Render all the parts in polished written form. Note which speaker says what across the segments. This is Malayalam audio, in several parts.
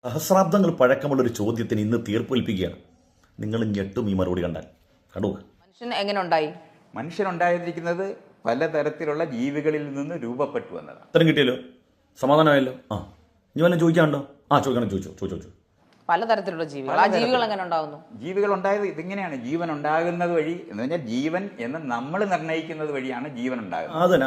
Speaker 1: സഹസ്രാബ്ദങ്ങൾ പഴക്കമുള്ള ഒരു ചോദ്യത്തിന് ഇന്ന് തീർപ്പേൽപ്പിക്കുകയാണ്. നിങ്ങൾ ഞെട്ടും ഈ മറുപടി കണ്ടാൽ. കണ്ടു.
Speaker 2: മനുഷ്യൻ എങ്ങനെ ഉണ്ടായി?
Speaker 3: മനുഷ്യനുണ്ടായിരിക്കുന്നത് പലതരത്തിലുള്ള ജീവികളിൽ നിന്ന് രൂപപ്പെട്ടു എന്നതാണ്.
Speaker 1: ഉത്തരം കിട്ടിയല്ലോ, സമാധാനമായല്ലോ. ഇനി വല്ലതും ചോദിക്കാനുണ്ടോ? ചോദിക്കണം, ചോദിച്ചു.
Speaker 2: പലതരത്തിലുള്ള ജീവികൾ. ആ ജീവികൾ എങ്ങനെ ഉണ്ടാവുന്നു?
Speaker 3: ജീവികൾ ഉണ്ടായത് ഇതിങ്ങനെയാണ്. ജീവൻ ഉണ്ടാകുന്നത് വഴി എന്ന് പറഞ്ഞാൽ ജീവൻ എന്ന് നമ്മൾ നിർണ്ണയിക്കുന്നത് വഴിയാണ് ജീവൻ ഉണ്ടാകുന്നത്.
Speaker 1: അതന്നെ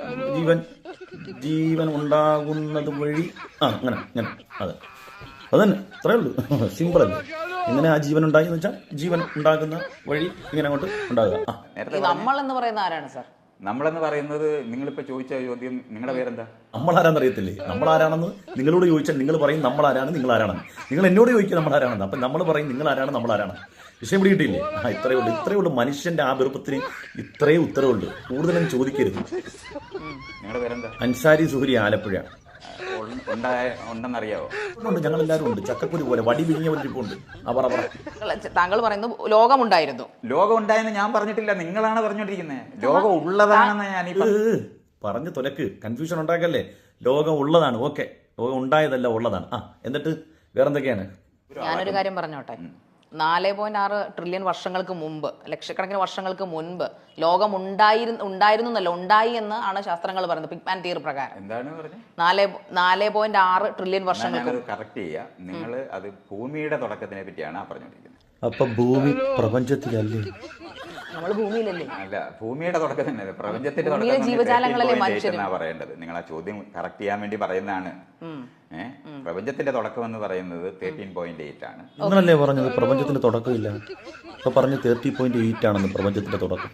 Speaker 1: ജീവൻ ഉണ്ടാകുന്നത് വഴി. അങ്ങനെ അതെ, അതന്നെ, അത്രേ ഉള്ളൂ. സിമ്പിൾ അല്ലേ? എങ്ങനെ ആ ജീവൻ ഉണ്ടായി എന്ന് വെച്ചാൽ ജീവൻ ഉണ്ടാകുന്ന വഴി ഇങ്ങനെ അങ്ങോട്ട് ഉണ്ടാകുക.
Speaker 2: നമ്മൾ എന്ന് പറയുന്ന ആരാണ് സാർ?
Speaker 3: നമ്മളെന്ന് പറയുന്നത് നിങ്ങളിപ്പോ ചോദിച്ച ചോദ്യം, നിങ്ങളുടെ പേരെന്താ?
Speaker 1: നമ്മളാരാന്ന് അറിയത്തില്ലേ? നമ്മളാരാണെന്ന് നിങ്ങളോട് ചോദിച്ചാൽ നിങ്ങൾ പറയും നമ്മളാരാണ്, നിങ്ങളാരാണെന്ന്. നിങ്ങൾ എന്നോട് ചോദിക്കുക നമ്മളാരാണെന്ന്. അപ്പം നമ്മൾ പറയും നിങ്ങളാരാണ്, നമ്മളാരാണ്. വിഷയം പിടിയിട്ടില്ലേ? ഇത്രയേ ഉള്ളൂ. മനുഷ്യന്റെ ആ വെറുപ്പത്തിന് ഇത്രയേ ഉത്തരവുള്ളൂ. കൂടുതലും ചോദിക്കരുത്.
Speaker 3: നിങ്ങളുടെ പേരെന്താ?
Speaker 1: അൻസാരി സുഹരി, ആലപ്പുഴ.
Speaker 3: ഉണ്ടെന്നറിയാവോ?
Speaker 1: ഞങ്ങളെല്ലാവരും ഉണ്ട്. ചക്കക്കുരു പോലെ വടി വിരിഞ്ഞ പോലെ.
Speaker 2: താങ്കൾ പറയുന്നത് ലോകമുണ്ടായിരുന്നു.
Speaker 3: ലോകം ഉണ്ടായെന്ന് ഞാൻ പറഞ്ഞിട്ടില്ല, നിങ്ങളാണ് പറഞ്ഞോണ്ടിരിക്കുന്നത്. ലോകം ഉള്ളതാണെന്ന് ഞാൻ
Speaker 1: പറഞ്ഞു തുലക്ക്, കൺഫ്യൂഷൻ ഉണ്ടാക്കല്ലേ. ലോകം ഉള്ളതാണ്, ഓക്കെ. ലോകം ഉണ്ടായതല്ല, ഉള്ളതാണ്. എന്നിട്ട് വേറെന്തൊക്കെയാണ്?
Speaker 2: ഞാനൊരു കാര്യം പറഞ്ഞോട്ടെ. 4.6 ട്രില്യൺ വർഷങ്ങൾക്ക് മുമ്പ്, ലക്ഷക്കണക്കിന് വർഷങ്ങൾക്ക് മുൻപ് ലോകം ഉണ്ടായി എന്ന് ആണ് ശാസ്ത്രങ്ങൾ പറയുന്നത്. ബിഗ് ബാങ് തിയറി പ്രകാരം.
Speaker 3: എന്താണ് പറഞ്ഞത്?
Speaker 2: 4.6 ട്രില്യൺ വർഷങ്ങൾക്ക്.
Speaker 3: കറക്റ്റ് ചെയ്യുക. നിങ്ങൾ അത് ഭൂമിയുടെ തുടക്കത്തിനെ പറ്റിയാണ് പറഞ്ഞോണ്ടിരിക്കുന്നത്.
Speaker 1: അപ്പൊ ഭൂമി പ്രപഞ്ചത്തിലല്ലേ?
Speaker 2: നമ്മൾ ഭൂമിയിലല്ലേ?
Speaker 3: അല്ല, ഭൂമിയുടെ തുടക്കം തന്നെ. പ്രപഞ്ചത്തിന്റെ
Speaker 2: ജീവജാലങ്ങളല്ലേ
Speaker 3: തുടക്കം പറയേണ്ടത്. നിങ്ങൾ ആ ചോദ്യം കറക്റ്റ് ചെയ്യാൻ വേണ്ടി പറയുന്നതാണ്. പ്രപഞ്ചത്തിന്റെ തുടക്കം എന്ന് പറയുന്നത് 13.8 ആണ്.
Speaker 1: നിങ്ങളല്ലേ പറഞ്ഞത് പ്രപഞ്ചത്തിന്റെ തുടക്കമില്ല? ഇപ്പൊ പറഞ്ഞ് 30.8 ആണെന്ന് പ്രപഞ്ചത്തിന്റെ തുടക്കം.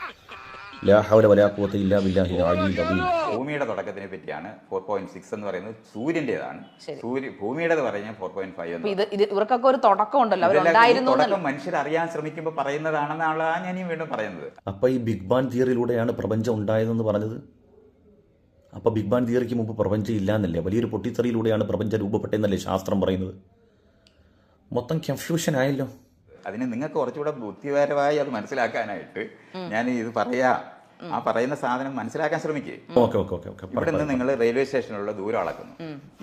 Speaker 3: ഭൂമിയുടെ തുടക്കത്തിനെ പറ്റിയാണ് 4.6 എന്ന് പറയുന്നത്. സൂര്യന്റേതാണ്. ഭൂമിയുടെ പറയുന്നത് 4.5.
Speaker 2: ഇവർക്കൊക്കെ ഒരു തുടക്കം ഉണ്ടല്ലോ.
Speaker 3: തുടക്കം മനുഷ്യർ അറിയാൻ ശ്രമിക്കുമ്പോൾ പറയുന്നതാണെന്നാണ് ഞാൻ വീണ്ടും പറയുന്നത്.
Speaker 1: അപ്പൊ ഈ ബിഗ് ബാങ് തിയറിയിലൂടെയാണ് പ്രപഞ്ചം ഉണ്ടായതെന്ന് പറഞ്ഞത്. അപ്പൊ ബിഗ് ബാങ് തിയറിക്ക് മുമ്പ് പ്രപഞ്ചം ഇല്ല എന്നല്ലേ? വലിയൊരു പൊട്ടിത്തെറിയിലൂടെയാണ് പ്രപഞ്ചം രൂപപ്പെട്ടതെന്നല്ലേ ശാസ്ത്രം പറയുന്നത്? മൊത്തം കൺഫ്യൂഷൻ ആയല്ലോ.
Speaker 3: അതിന് നിങ്ങൾക്ക് കുറച്ചുകൂടെ ബുദ്ധിപരമായി അത് മനസ്സിലാക്കാനായിട്ട് ഞാൻ ഇത് ആ പറയുന്ന സാധനം മനസ്സിലാക്കാൻ ശ്രമിക്കേ. ഇവിടെ നിന്ന് നിങ്ങൾ റെയിൽവേ സ്റ്റേഷനിലുള്ള ദൂരം അളക്കുന്നു.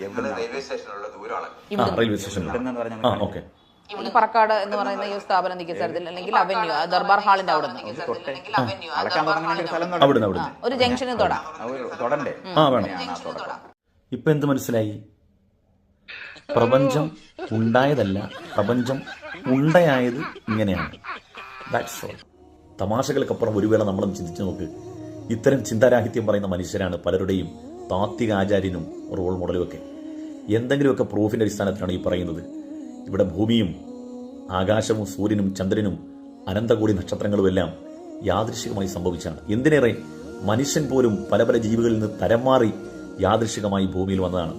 Speaker 2: പറക്കാട് എന്ന് പറയുന്ന ഈ സ്ഥാപനം നിൽക്കുന്ന സ്ഥലത്തിൽ, അല്ലെങ്കിൽ അവന്യൂ ദർബാർ ഹാളിന്റെ അവിടെ ഒരു ജംഗ്ഷനിൽ
Speaker 3: തൊടണ്ടേ?
Speaker 1: ഇപ്പൊ എന്ത് മനസ്സിലായി? പ്രപഞ്ചം ഉണ്ടായതല്ല, പ്രപഞ്ചം ഉണ്ടയായത് ഇങ്ങനെയാണ്. That's all. തമാശകൾക്കപ്പുറം ഒരു വേള നമ്മളും ചിന്തിച്ചു നോക്ക്. ഇത്തരം ചിന്താരാഹിത്യം പറയുന്ന മനുഷ്യരാണ് പലരുടെയും താത്വിക ആചാര്യനും റോൾ മോഡലും ഒക്കെ. എന്തെങ്കിലുമൊക്കെ പ്രൂഫിന്റെ അടിസ്ഥാനത്തിലാണ് ഈ പറയുന്നത്. ഇവിടെ ഭൂമിയും ആകാശവും സൂര്യനും ചന്ദ്രനും അനന്തകോടി നക്ഷത്രങ്ങളും എല്ലാം യാദൃശികമായി സംഭവിച്ചാണ്. എന്തിനേറെ, മനുഷ്യൻ പോലും പല പല ജീവികളിൽ നിന്ന് തരം മാറി യാദൃശികമായി ഭൂമിയിൽ വന്നതാണ്.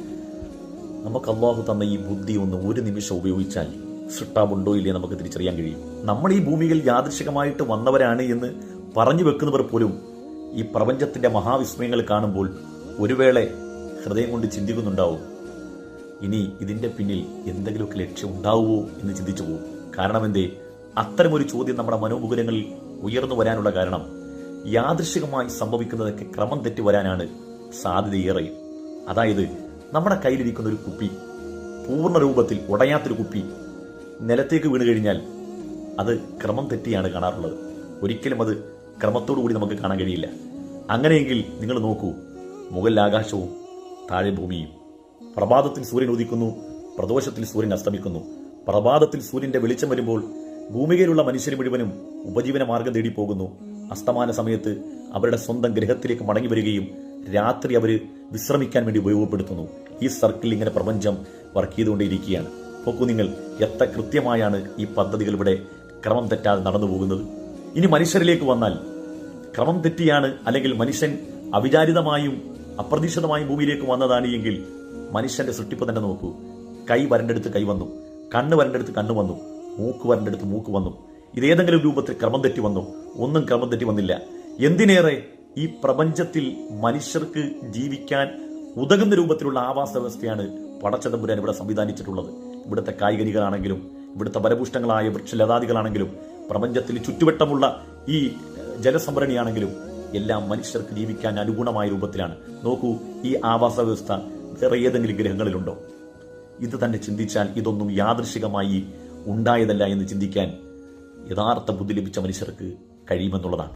Speaker 1: നമുക്ക് അല്ലാഹു തന്ന ഈ ബുദ്ധി ഒന്ന് ഒരു നിമിഷം ഉപയോഗിച്ചാൽ സൃഷ്ടാവുണ്ടോ ഇല്ലേ നമുക്ക് തിരിച്ചറിയാൻ കഴിയും. നമ്മൾ ഈ ഭൂമിയിൽ യാദൃശികമായിട്ട് വന്നവരാണ് എന്ന് പറഞ്ഞു വെക്കുന്നവർ പോലും ഈ പ്രപഞ്ചത്തിന്റെ മഹാവിസ്മയങ്ങൾ കാണുമ്പോൾ ഒരു വേള ഹൃദയം കൊണ്ട് ചിന്തിക്കുന്നുണ്ടാവും, ഇനി ഇതിന്റെ പിന്നിൽ എന്തെങ്കിലുമൊക്കെ ലക്ഷ്യം ഉണ്ടാവുമോ എന്ന് ചിന്തിച്ചു പോകും. കാരണം എന്തേ? അത്തരമൊരു ചോദ്യം നമ്മുടെ മനോമുകുരങ്ങളിൽ ഉയർന്നു വരാനുള്ള കാരണം യാദൃശികമായി സംഭവിക്കുന്നതൊക്കെ ക്രമം തെറ്റി വരാനാണ് സാധ്യതയേറെ. അതായത് നമ്മുടെ കയ്യിലിരിക്കുന്ന ഒരു കുപ്പി, പൂർണ്ണ രൂപത്തിൽ ഉടയാത്തൊരു കുപ്പി നിലത്തേക്ക് വീണ് കഴിഞ്ഞാൽ അത് ക്രമം തെറ്റിയാണ് കാണാറുള്ളത്. ഒരിക്കലും അത് ക്രമത്തോടു കൂടി നമുക്ക് കാണാൻ കഴിയില്ല. അങ്ങനെയെങ്കിൽ നിങ്ങൾ നോക്കൂ, മുകളിൽ ആകാശവും താഴെ ഭൂമിയും. പ്രഭാതത്തിൽ സൂര്യൻ ഉദിക്കുന്നു, പ്രദോഷത്തിൽ സൂര്യൻ അസ്തമിക്കുന്നു. പ്രഭാതത്തിൽ സൂര്യന്റെ വെളിച്ചം വരുമ്പോൾ ഭൂമികയിലുള്ള മനുഷ്യർ മുഴുവനും ഉപജീവന മാർഗം തേടി പോകുന്നു. അസ്തമാന സമയത്ത് അവരുടെ സ്വന്തം ഗ്രഹത്തിലേക്ക് മടങ്ങി വരികയും രാത്രി അവർ വിശ്രമിക്കാൻ വേണ്ടി ഉപയോഗപ്പെടുത്തുന്നു. ഈ സർക്കിൾ ഇങ്ങനെ പ്രപഞ്ചം വർക്ക് ചെയ്തുകൊണ്ടേയിരിക്കുകയാണ്. നോക്കൂ നിങ്ങൾ, എത്ര കൃത്യമായാണ് ഈ പദ്ധതികൾ ഇവിടെ ക്രമം തെറ്റാതെ നടന്നു പോകുന്നത്. ഇനി മനുഷ്യരിലേക്ക് വന്നാൽ ക്രമം തെറ്റിയാണ്, അല്ലെങ്കിൽ മനുഷ്യൻ അവിചാരിതമായും അപ്രതീക്ഷിതമായും ഭൂമിയിലേക്ക് വന്നതാണ് എങ്കിൽ മനുഷ്യന്റെ സൃഷ്ടിപ്പ് തന്നെ നോക്കൂ. കൈ വരണ്ടെടുത്ത് കൈ വന്നു, കണ്ണ് വരണ്ടെടുത്ത് കണ്ണ് വന്നു, മൂക്ക് വരണ്ടെടുത്ത് മൂക്ക് വന്നു. ഇതേതെങ്കിലും രൂപത്തിൽ ക്രമം തെറ്റി വന്നു? ഒന്നും ക്രമം തെറ്റി വന്നില്ല. എന്തിനേറെ, ഈ പ്രപഞ്ചത്തിൽ മനുഷ്യർക്ക് ജീവിക്കാൻ ഉതകുന്ന രൂപത്തിലുള്ള ആവാസ വ്യവസ്ഥയാണ് പടച്ചതമ്പുരാൻ ഇവിടെ സംവിധാനിച്ചിട്ടുള്ളത്. ഇവിടുത്തെ കായികനികളാണെങ്കിലും ഇവിടുത്തെ ഫലപുഷ്ടങ്ങളായ വൃക്ഷലതാദികളാണെങ്കിലും പ്രപഞ്ചത്തിൽ ചുറ്റുവട്ടമുള്ള ഈ ജലസംഭരണിയാണെങ്കിലും എല്ലാം മനുഷ്യർക്ക് ജീവിക്കാൻ അനുഗുണമായ രൂപത്തിലാണ്. നോക്കൂ, ഈ ആവാസ വ്യവസ്ഥ വേറെ ഏതെങ്കിലും ഗ്രഹങ്ങളിലുണ്ടോ? ഇത് തന്നെ ചിന്തിച്ചാൽ ഇതൊന്നും യാദൃശികമായി ഉണ്ടായതല്ല എന്ന് ചിന്തിക്കാൻ യഥാർത്ഥ ബുദ്ധി ലഭിച്ച മനുഷ്യർക്ക് കഴിയുമെന്നുള്ളതാണ്.